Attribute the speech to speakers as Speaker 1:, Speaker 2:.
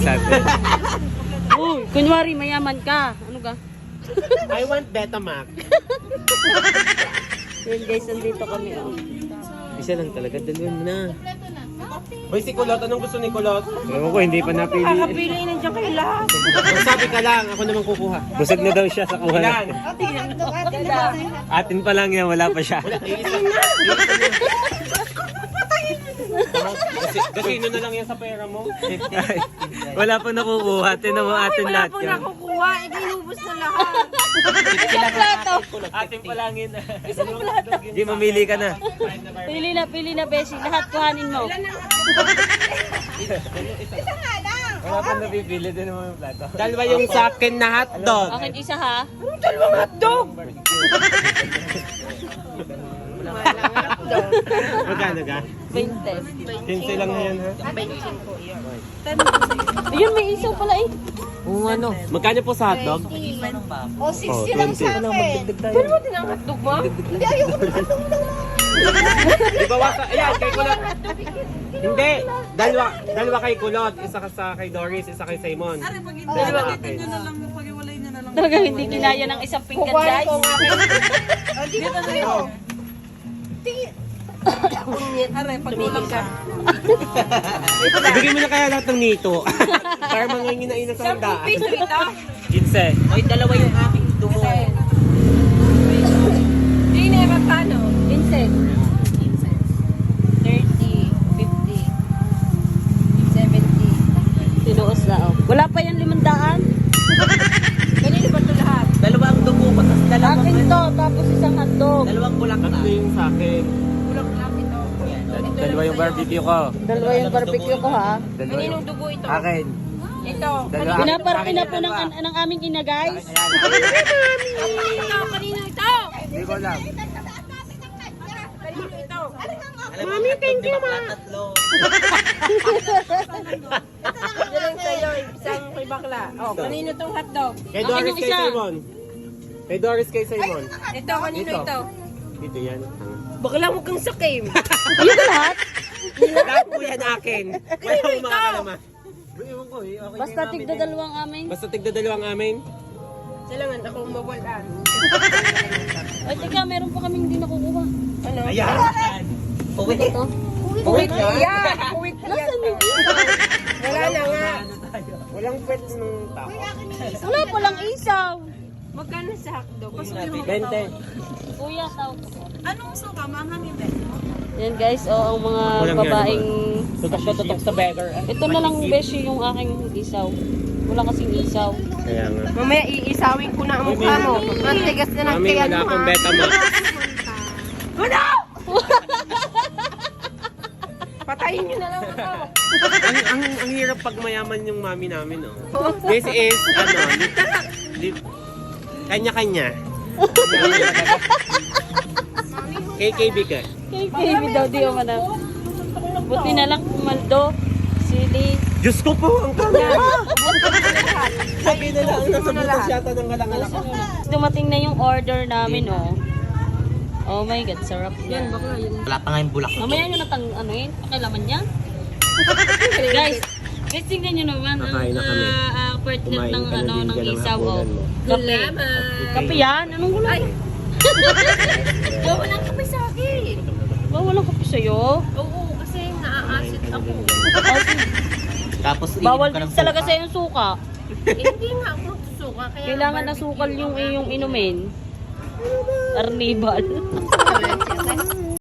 Speaker 1: sa atin.
Speaker 2: Uy, kunwari mayaman ka. Ano ka?
Speaker 3: I want Betamax.
Speaker 2: Yun guys, nandito kami. Oh.
Speaker 1: Isa lang talaga, dalawin mo na.
Speaker 3: Hoy, si Kulot, anong gusto ni Kulot?
Speaker 1: Ewan ko, hindi pa napili.
Speaker 2: Kakapili nandiyan kayo lahat.
Speaker 3: Sabi ka lang, ako naman kukuha.
Speaker 1: Busog na daw siya sa kuha.
Speaker 3: Ilan?
Speaker 1: Atin pa lang yan, wala pa siya.
Speaker 3: Iisa na. Gasino na lang yan sa pera mo.
Speaker 1: Ay, wala pa nakukuha. Tinan mo atin lahat yan.
Speaker 2: Nakukuha, ikinubos na lahat.
Speaker 1: Atin pa lang yun. Hindi, mamili ka na.
Speaker 2: Pili na, Beshi. Lahat kuhanin mo.
Speaker 1: Wala pa napipili din naman yung plato.
Speaker 3: Dalawa yung sa akin na hotdog.
Speaker 2: Akin isa ha.
Speaker 3: Magkano ka?
Speaker 2: 20.
Speaker 3: 15 lang na yan ha?
Speaker 2: Ayun, may isaw pala eh.
Speaker 1: Oo, ano?
Speaker 3: Magkano po sa hotdog?
Speaker 4: O, 60 lang sa akin.
Speaker 2: Pero mo din ang hotdog mo?
Speaker 4: Hindi, ayoko na hotdog na.
Speaker 3: Di ba wasa? Ayan, kay Kulot. Hindi. Dalawa kay Kulot. Isa ka sa kay Doris, isa kay Simon. Dalawa akin.
Speaker 2: Talaga hindi kinaya ng isang pinggan
Speaker 4: Kukuhanin
Speaker 2: guys.
Speaker 4: ko nga kayo. Dito na sa'yo.
Speaker 2: Tumigil ka.
Speaker 3: Ibigay mo na kaya lahat ng nito. Para mangangin na ina sa handaan.
Speaker 2: Piso ito?
Speaker 1: 15.
Speaker 2: Oy, dalawa yung aking dumo. Hindi na magkano? 15. 30, 50, 70. Tinuos na oh. Wala pa yan 500. Kanino ba ito lahat?
Speaker 5: Dalawang dugo pa, tapos
Speaker 2: Akin to, tapos isang hotdog.
Speaker 5: dalawang bulak na.
Speaker 3: Ano yung sa akin?
Speaker 1: Dalawa yung barbecue ko.
Speaker 2: Dalawa yung barbecue ko ha.
Speaker 1: Dalawa yung...
Speaker 2: dugo ito?
Speaker 1: Akin.
Speaker 2: Ito.
Speaker 1: Dalawa.
Speaker 2: Pinaparki na po ng aming ina guys. Kanino ito?
Speaker 1: Hindi ko alam.
Speaker 2: Kanino ito?
Speaker 5: Mami, thank you, ma. Tatlo.
Speaker 2: Diyan sa'yo, isang kay bakla. Oh, kanino tong hotdog?
Speaker 3: Kay
Speaker 2: Akin
Speaker 3: Doris
Speaker 2: yung
Speaker 3: kay
Speaker 2: isa.
Speaker 3: Simon. Kay Doris kay Simon.
Speaker 2: Ito, kanino
Speaker 3: Ito.
Speaker 2: ito?
Speaker 3: Dito yan.
Speaker 2: Bakla mo kang sakim. Ayun na lahat?
Speaker 3: Lahat po yan akin. Wala akong makakalama. Ewan ko eh. Okay
Speaker 2: Basta tigda dalawang amin.
Speaker 3: Basta tigda dalawang amin.
Speaker 2: Silangan akong mawalan. Ay, teka, meron pa kaming hindi nakukuha. Ano?
Speaker 3: Ayan.
Speaker 5: Uwi.
Speaker 2: Ito?
Speaker 5: Uwi na.
Speaker 2: Uwit Nasaan yung isa?
Speaker 3: Wala na nga. Walang pets nung tao.
Speaker 2: Wala palang isaw. Magkano sa hotdog?
Speaker 3: 20.
Speaker 2: Kuya, tawag ko.
Speaker 4: Anong suka, manghangin din?
Speaker 2: Yan guys, ang mga
Speaker 3: Walang
Speaker 2: babaeng...
Speaker 3: Tutok sa beggar.
Speaker 2: Ito na lang beshi yung aking isaw. Wala kasing isaw.
Speaker 3: Kaya nga.
Speaker 2: Mamaya iisawin ko na ang mukha mo. Ang tigas na ng
Speaker 3: Mami,
Speaker 2: tiyan
Speaker 3: wala
Speaker 2: mo
Speaker 3: akong
Speaker 2: ha.
Speaker 3: Betamax.
Speaker 2: Patayin nyo na lang ako.
Speaker 3: ang hirap pag mayaman yung mami namin, no? This is, kanya-kanya. KKB ka.
Speaker 2: Kay baby daw di man na. Buti na lang kumaldo. Sili.
Speaker 3: Diyos ko po, ang kamera! Sabi na lang, nasa butas yata ng galang-galang.
Speaker 2: Dumating na yung order namin, oh. Oh my God, sarap yan.
Speaker 5: Wala pa nga yung bulak.
Speaker 2: Mamaya nyo natang, ano yun, pakilaman niya. Guys, tingnan nyo naman ang
Speaker 3: Kakain na kami.
Speaker 2: partner
Speaker 3: Kumain
Speaker 2: ng,
Speaker 3: ka na din
Speaker 2: ng
Speaker 3: dyan ng
Speaker 2: isaw, oh.
Speaker 3: hapunan mo.
Speaker 2: Kape. Kape yan? Anong gulay? Walang kape sa akin. Walang kape sa'yo? Oo, kasi naaasit ako.
Speaker 5: Tapos
Speaker 2: Bawal
Speaker 5: iinom ka ng
Speaker 2: talaga
Speaker 5: suka.
Speaker 2: sa yung suka. Hindi nga ako suka. Kailangan na sukal yung iyong inumin. Arnibal.